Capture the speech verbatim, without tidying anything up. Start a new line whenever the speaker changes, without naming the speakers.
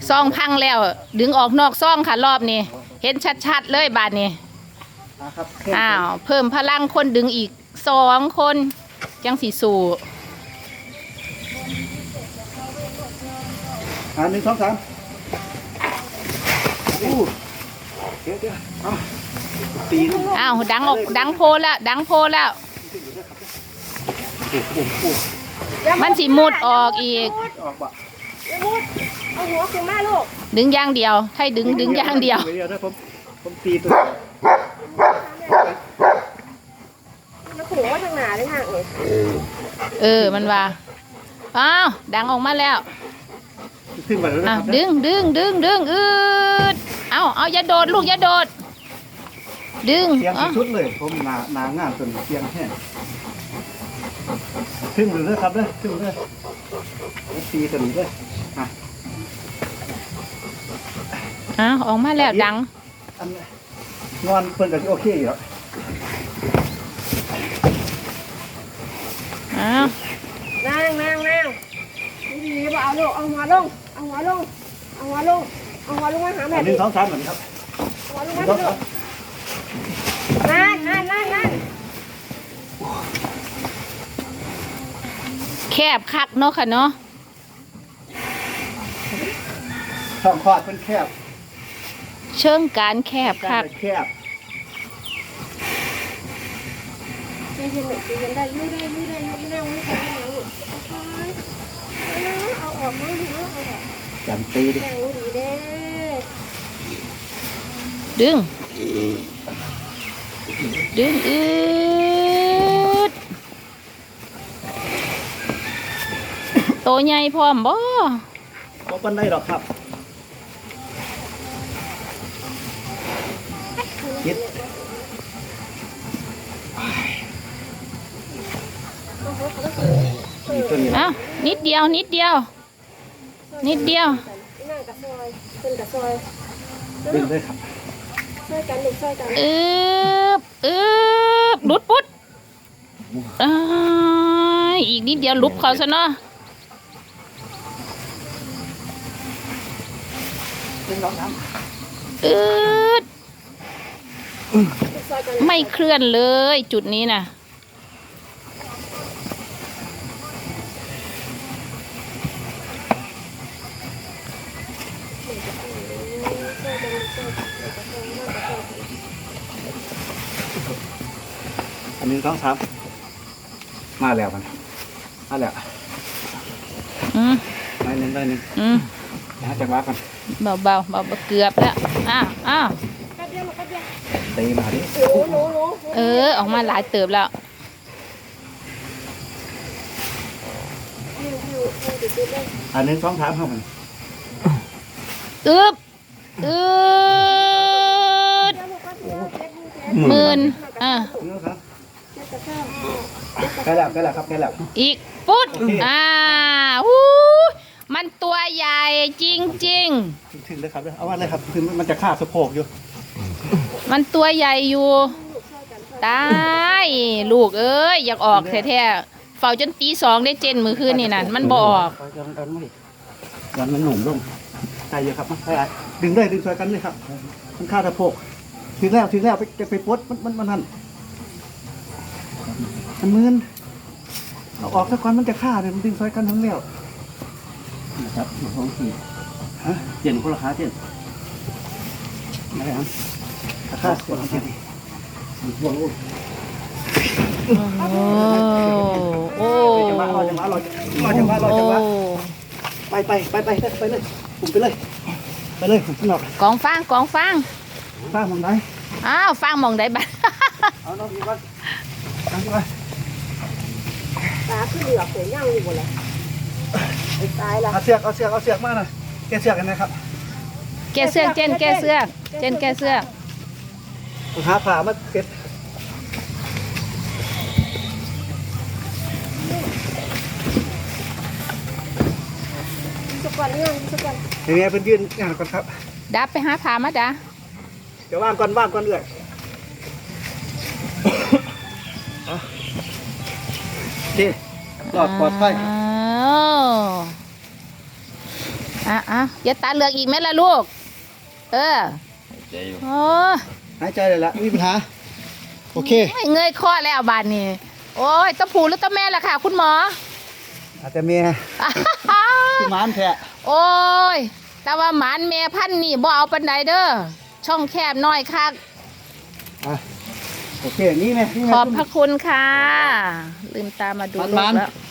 ซองพังแล้วดึงออกนอกซองค่ะรอบนี้เห็นชัดๆเลยบาดนี้อ้าวเพิ่มพลังคนดึงอีกสองคนจังสีสู่
อ่าหนึ่งสองสามอู้เดี๋ยวเดี๋ยวเอาตีน
อ้าวดังออกดังโพแล้วดังโพแล้วมันสีมุดออกอีก
เอาหัวขึ้นมาลูก
ดึงอย่างเดียวให้ดึงดึงอย่างเดียว
เดี๋ยวนะผมผมตีตัว
แล้วขู่ว่าทางหนาได้ทางเอ๋
เออมันว่าอ้าวดังออกมาแล้ว
ขึ้นมาแล้วนะครับ
ดึงดึงดึงดึงอืดเอาเอาอย่าโดดลูกอย่าโดดดึง
เตียงชุดเลยผมหนาหนางานจนเตียงแห้งขึ้นเลยครับเลยขึ้นเลยตีตัวนี้เลยอ่ะ
อ้าวออกมาแล้วดัง
นอนเพิ่นก็โอเคอยู่แล้ว
อ้าว
นั่งนั่งนั่งดีๆบ่เอาลูกเอาหัวลงเอาหัวลงเอาหัวลงเอาหัวลงมาหาแม่
หนึ่งสองสามเหมือนครับ
หัวลงมาลูกนั่นนั่นนั่นนั่น
แคบคักเนาะค่ะเนาะ
ช่องคลอดเป็นแคบ
เชิงการแคบคัก
แคบ
เย็นเย็นเย็นได้ยืดได้ยืดได้ยืดได้ยืดได้ยืดได้เอาออกมาดูเอาออก
จันตีดิ
ดีเด้
ดึงดึงอืดโตใหญ่พร้อมบ่
บ่ปานใดหรอกครับคิด
อ้าวนิดเดียวนิดเดียวนิดเดียว
นั่งกับซอยเป็นกับซอย
ดึงเลยครับ
ช่วยกันดึงช่วยกัน
อึบอึบลุดปุ๊ดอีกนิดเดียวลุบเขาซะเนาะอึดไม่เคลื่อนเลยจุดนี้นะ
อันนี้ต้องครับมาแล้วมันมาแล้ว
อืม
ได้หนึ่งได้หนึ่ง
อืม
นะจังหวะกัน
เบาเบาเบาเกือบแล้วอ้าวอ้าว
ตีมาดิ
เออออกมาหลายเติบแล้ว
อันนี้ต้องถามเขามัน
อึบอึดหมื่นอ่ะ
ใกล้แล้วใกล้แล้วครับใกล้แล้ว
อีกปุ๊ดอ่าหูมันตัวใหญ่จริงจริง
ถึงเลยครับเอาว่าเลยครับคือมันจะฆ่าสะโพกอยู่
มันตัวใหญ่อยู่ตายลูกเอ้ยอยากออกแท้ๆเฝ้าจนตีสองได้เจนมือคืนนี่นั่นมันบ่ออก
ยันมันหนุ่มลงตายเยอะครับใช่ดึงได้ดึงช่วยกันเลยครับมันฆ่าสะโพกถึงแล้วถึงแล้วไปจะไปปวดมันมันมันหันมันมืนเอาออกสักวันมันจะฆ่าเนี่ยมันดึงช่วยกันทั้งเลี้ยวนะครับท้องทีฮะเปลี่ยนคนละขาเปลี่ยนอะไรครับฆ่าคนละเปลี่ยนโอ้
โอ้
จังหวะรอจังหวะรอรอจังหวะรอจังหวะไปไปไปไปไปเลยผมไปเลยไปเลยผมหนอก
กองฟางกองฟาง
ฟางมองไหน
อ้าวฟางมองไหนบ้าง
เอาน้องพี่ก่อนทำไป
ตาขึ้นเหลือกเสียย่างอยู่หมดเลยไอ้ตายละ
เอาเสือกเอาเสือกเอาเสือกมาหน่อยแกเสือกกันนะครับ
แกเสือกเจนแกเสือกเจนแกเสือก
หาผ่ามาเก็บ
สกวันเนี่ยสกวัน
ยังไงเป็นยืนงานก่อนครับ
ดับไปหาผ่ามาด่า
เดี๋ยวว่างก่อนว่างก่อนเลยโอเคปลอดปลอดภัย
อ่ะอ่ะอย่าตาเหลือกอีกไหมล่ะลูก เออ
ใจอยู่
โอ้
หายใจเลยละไม่มีปัญหาโอเค
ยเงยคอแล้วบานนี้ โอ้ยต้องผูหรือต้องแม่ล่ะค่ะ คุณหมอ
อาจจะมีคือหมานแท้
โอ้ย แต่ว่าหมานแม่พันธุ์นี่บ่เอาปันไดเด้อ ช่องแคบน้อยคัก
อ่ะโอเคนี่ไหมนี่ไหม
ขอบพระคุณค่ะ ลืมตามาดู
มัน
ลู
มั
ก
น
แล้ว